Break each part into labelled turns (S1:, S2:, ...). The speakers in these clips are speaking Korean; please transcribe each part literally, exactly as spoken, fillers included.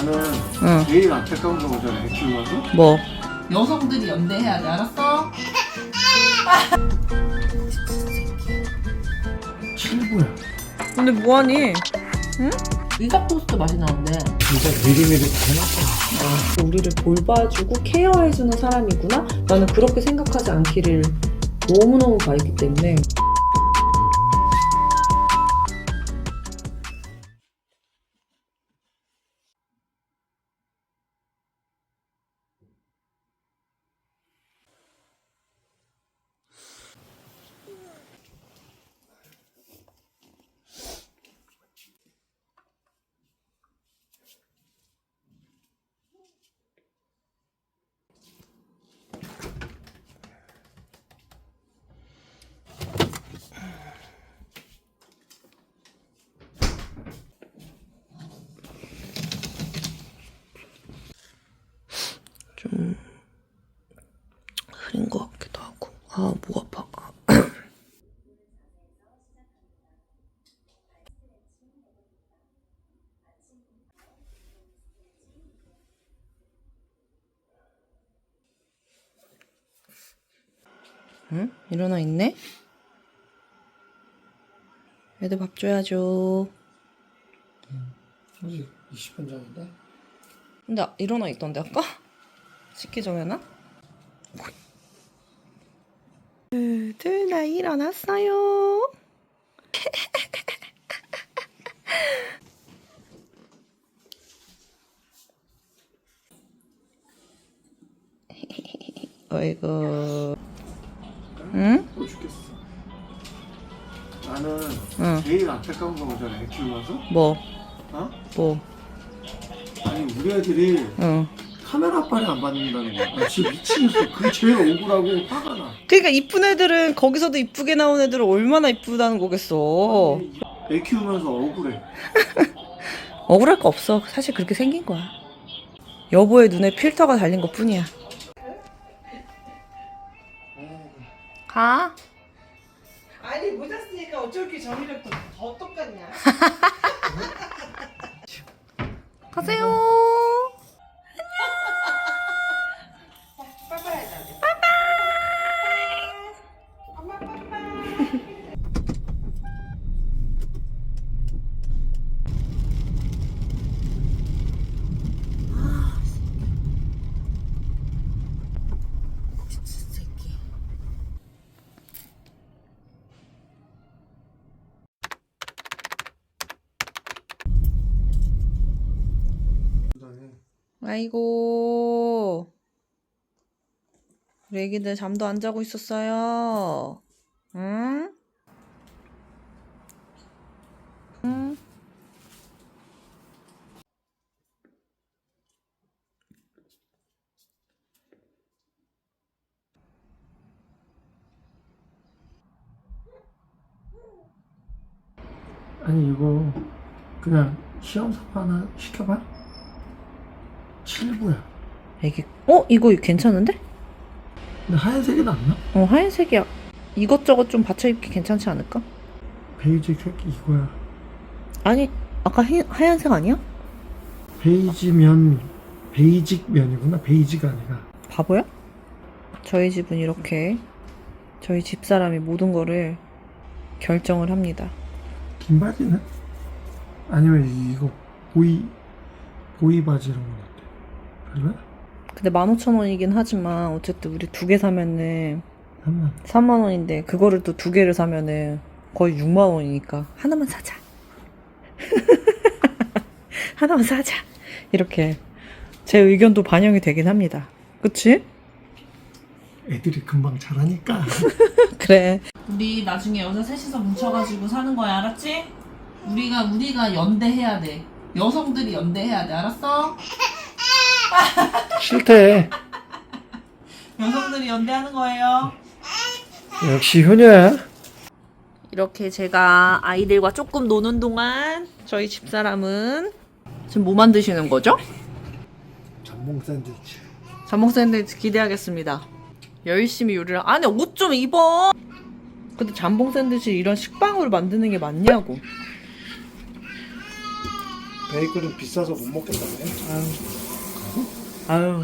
S1: 나는
S2: 응.
S1: 제일 안타까운 거 보잖아, 애 키우면서.
S2: 뭐?
S3: 여성들이 연대해야 돼, 알았어?
S1: 칠부야.
S2: 근데 뭐하니?
S3: 의각 토스트 맛이 나는데.
S1: 진짜 미리미리 다 해놨잖아.
S4: 우리를 돌봐주고 케어해주는 사람이구나? 나는 그렇게 생각하지 않기를 너무너무 바랬기 때문에.
S2: 좀 흐린 것 같기도 하고. 아, 목 아파. 응? 일어나 있네? 애들 밥 줘야죠.
S1: 아직 이십 분 전인데?
S2: 근데 아- 일어나 있던데 아까? 씻기 전에나? 둘 나 일어났어요. 어이구. 응?
S1: 또 죽겠어. 나는
S2: 응.
S1: 제일 안타까운 거 보잖아, 애 키우면서.
S2: 뭐?
S1: 어?
S2: 뭐?
S1: 아니, 우리 애들이
S2: 응.
S1: 카메라 앞발이 안 받는다는 거야. 나 진짜 미치겠어. 그게 제일 억울하고 화가 나.
S2: 그러니까 이쁜 애들은 거기서도 이쁘게 나온 애들은 얼마나 이쁘다는 거겠어.
S1: 애 키우면서 억울해.
S2: 억울할 거 없어. 사실 그렇게 생긴 거야. 여보의 눈에 필터가 달린 것 뿐이야. 가.
S5: 아니 모자 쓰니까 어쩔 게 정의력도 더 똑같냐?
S2: 가세요.
S5: 빠빠야지. 엄마 빠빠.
S2: 아이고. 우리 애기들 잠도 안 자고 있었어요. 응? 응?
S1: 아니, 이거 그냥 시험 삼아 하나 시켜봐. 칠부야.
S2: 애기. 어? 이거 괜찮은데?
S1: 근데 하얀색이 낫나?
S2: 어, 하얀색이야. 이것저것 좀 받쳐 입기 괜찮지 않을까?
S1: 베이지 색이 이거야.
S2: 아니, 아까 하, 하얀색 아니야?
S1: 베이지 면, 베이직 면이구나. 베이지가 아니라.
S2: 바보야? 저희 집은 이렇게 저희 집사람이 모든 거를 결정을 합니다.
S1: 긴 바지는? 아니면 이거 보이 보이 바지 이런 건 어때? 별로야?
S2: 근데 만 오천 원이긴 하지만 어쨌든 우리 두 개 사면은
S1: 삼만 원.
S2: 삼만 원인데 그거를 또 두 개를 사면은 거의 육만 원이니까 하나만 사자. 하나만 사자. 이렇게 제 의견도 반영이 되긴 합니다. 그치?
S1: 애들이 금방 자라니까.
S2: 그래.
S3: 우리 나중에 여자 셋이서 뭉쳐가지고 사는 거야, 알았지? 우리가, 우리가 연대해야 돼. 여성들이 연대해야 돼, 알았어?
S1: 싫대.
S3: 여성들이 연대하는 거예요.
S1: 역시 효녀야.
S2: 이렇게 제가 아이들과 조금 노는 동안 저희 집사람은 지금 뭐 만드시는 거죠?
S1: 전복 샌드위치.
S2: 전복 샌드위치 기대하겠습니다. 열심히 요리를. 아니, 옷 좀 입어. 근데 잠봉 샌드위치 이런 식빵으로 만드는 게 맞냐고.
S1: 베이글은 비싸서 못 먹겠다네.
S2: 아유.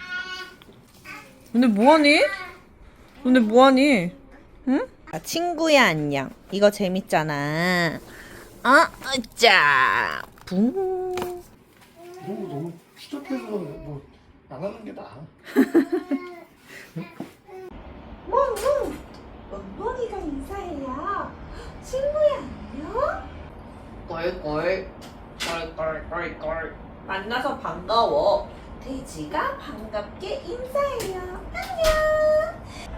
S2: 근데 뭐하니? 근데 뭐하니? 응? 아, 친구야 안녕. 이거 재밌잖아. 아, 으짜. 붕.
S1: 이런 거 너무 추적해서 뭐 안 하는 게 나아.
S6: 몽몽! 몽몽이가 인사해요. 친구야 안녕?
S2: 꼴꼴. 꼴꼴꼴꼴. 만나서 반가워.
S6: 돼지가 반갑게 인사해요. 안녕!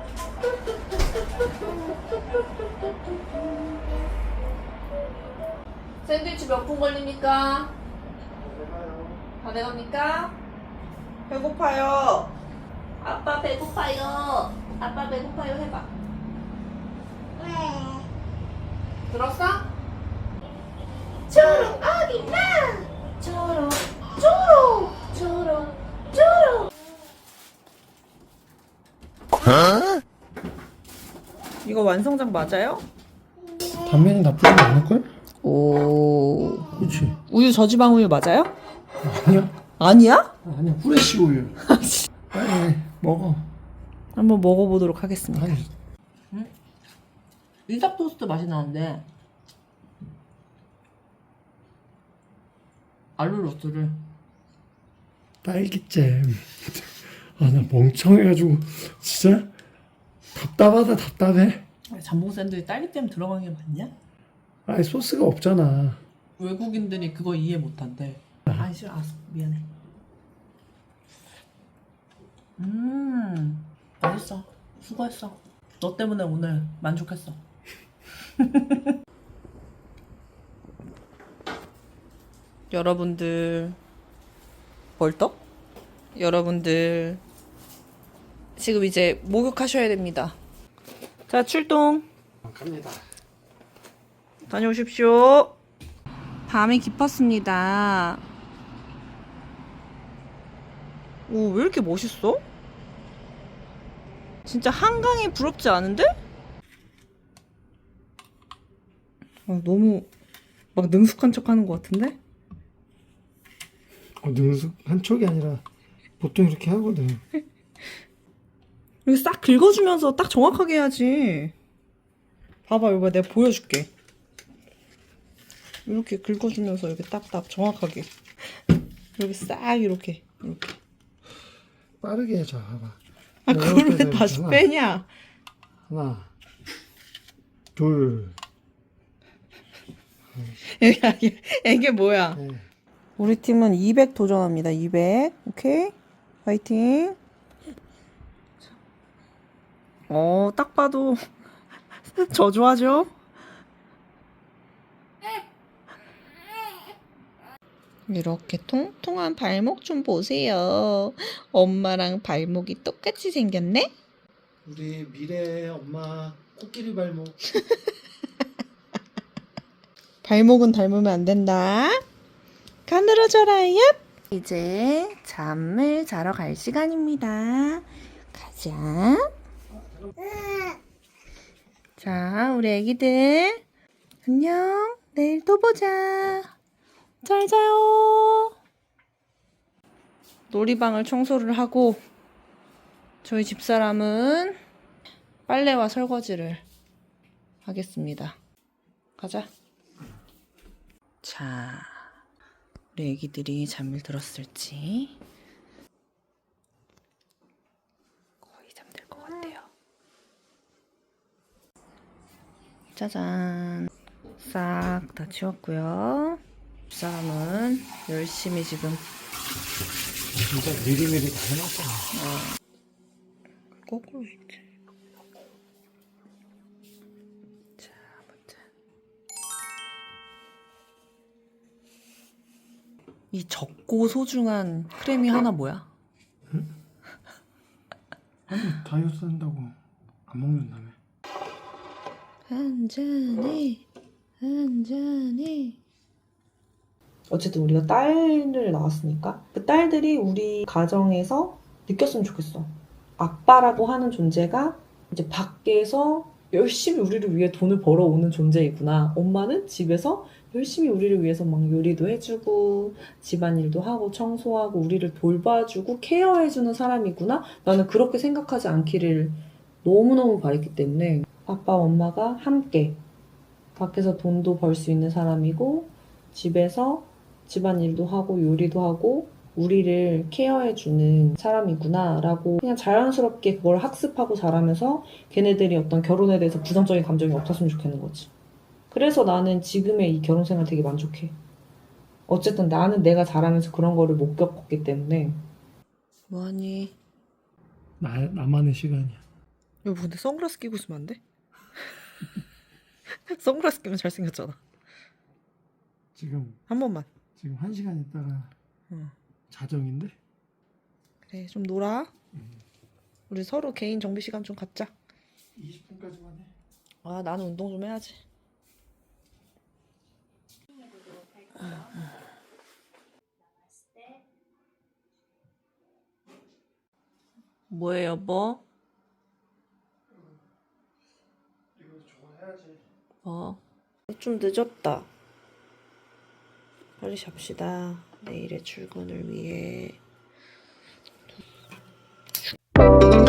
S2: 샌드위치 몇 분 걸립니까? 다 돼갑니까? 배고파요. 아빠 배고파요. 아빠 배고파요 해봐.
S6: 왜?
S2: 들었어?
S6: 초록 어딨나? 초록 초록 초록 초록.
S2: 이거 완성작 맞아요?
S1: 단면이 나쁘지 않을걸?
S2: 오.
S1: 그렇지.
S2: 우유 저지방 우유 맞아요?
S1: 아니야.
S2: 아니야?
S1: 아니야. 후레쉬 우유. 빨리 먹어.
S2: 한번 먹어보도록 하겠습니다.
S1: 아니,
S2: 이삭 토스트 맛이 나는데 알룰 로스를
S1: 딸기잼. 아, 나 멍청해가지고 진짜 답답하다 답답해.
S2: 잠봉 샌드위치 딸기잼 들어간 게 맞냐?
S1: 아니 소스가 없잖아.
S2: 외국인들이 그거 이해 못한대. 아니 싫어, 알았어, 미안해. 음 맛있어. 수고했어. 너 때문에 오늘 만족했어. 여러분들 벌떡? 여러분들 지금 이제 목욕하셔야 됩니다. 자, 출동.
S1: 갑니다.
S2: 다녀오십시오. 밤이 깊었습니다. 오, 왜 이렇게 멋있어? 진짜 한강이 부럽지 않은데? 아, 너무 막 능숙한 척 하는 것 같은데?
S1: 어, 능숙한 척이 아니라 보통 이렇게 하거든.
S2: 이거 싹 긁어주면서 딱 정확하게 해야지. 봐봐, 이거 내가 보여줄게. 이렇게 긁어주면서 이렇게 딱딱 정확하게. 이렇게 싹 이렇게 이렇게.
S1: 빠르게 해줘. 봐봐.
S2: 아,
S1: 뭐
S2: 그걸 왜
S1: 이렇게
S2: 다시
S1: 하나,
S2: 빼냐?
S1: 하나, 둘,
S2: 이게, 이게, 이게 뭐야?
S1: 넷.
S2: 우리 팀은 이백 도전합니다. 이백. 오케이? 파이팅. 어, 딱 봐도 저조하죠? 이렇게 통통한 발목 좀 보세요. 엄마랑 발목이 똑같이 생겼네?
S1: 우리 미래 엄마 코끼리 발목.
S2: 발목은 닮으면 안 된다. 가늘어져라, 얍! 이제 잠을 자러 갈 시간입니다. 가자. 자, 우리 애기들. 안녕. 내일 또 보자. 잘 자요. 놀이방을 청소를 하고 저희 집사람은 빨래와 설거지를 하겠습니다. 가자. 자, 우리 애기들이 잠을 들었을지 거의 잠들 것 같아요. 짜잔. 싹 다 치웠고요. 집사람은 열심히 지금
S1: 진짜 미리미리 다 해놨잖아.
S2: 거꾸로 이렇게. 자, 아무튼 이 적고 소중한 크림이 하나 뭐야?
S1: 아니 다이어트 한다고 안 먹는다며.
S2: 한 잔에 한 잔에.
S4: 어쨌든 우리가 딸을 낳았으니까 그 딸들이 우리 가정에서 느꼈으면 좋겠어. 아빠라고 하는 존재가 이제 밖에서 열심히 우리를 위해 돈을 벌어오는 존재이구나. 엄마는 집에서 열심히 우리를 위해서 막 요리도 해주고 집안일도 하고 청소하고 우리를 돌봐주고 케어해주는 사람이구나. 나는 그렇게 생각하지 않기를 너무너무 바랬기 때문에 아빠 엄마가 함께 밖에서 돈도 벌 수 있는 사람이고 집에서 집안일도 하고 요리도 하고 우리를 케어해주는 사람이구나 라고 그냥 자연스럽게 그걸 학습하고 자라면서 걔네들이 어떤 결혼에 대해서 부정적인 감정이 없었으면 좋겠는 거지. 그래서 나는 지금의 이 결혼 생활 되게 만족해. 어쨌든 나는 내가 자라면서 그런 거를 못 겪었기 때문에.
S2: 뭐하니?
S1: 나, 나만의 시간이야.
S2: 여보 근데 선글라스 끼고 있으면 안 돼? 선글라스 끼면 잘생겼잖아.
S1: 지금
S2: 한 번만.
S1: 지금 한 시간 있다가
S2: 응.
S1: 자정인데?
S2: 그래 좀 놀아. 우리 서로 개인 정비 시간 좀 갖자.
S1: 이십 분까지만 해.
S2: 아 나는 운동 좀 해야지. 뭐해 여보?
S1: 이거 좋아해야지.
S2: 어. 좀 늦었다. 빨리 잡시다. 내일의 출근을 위해.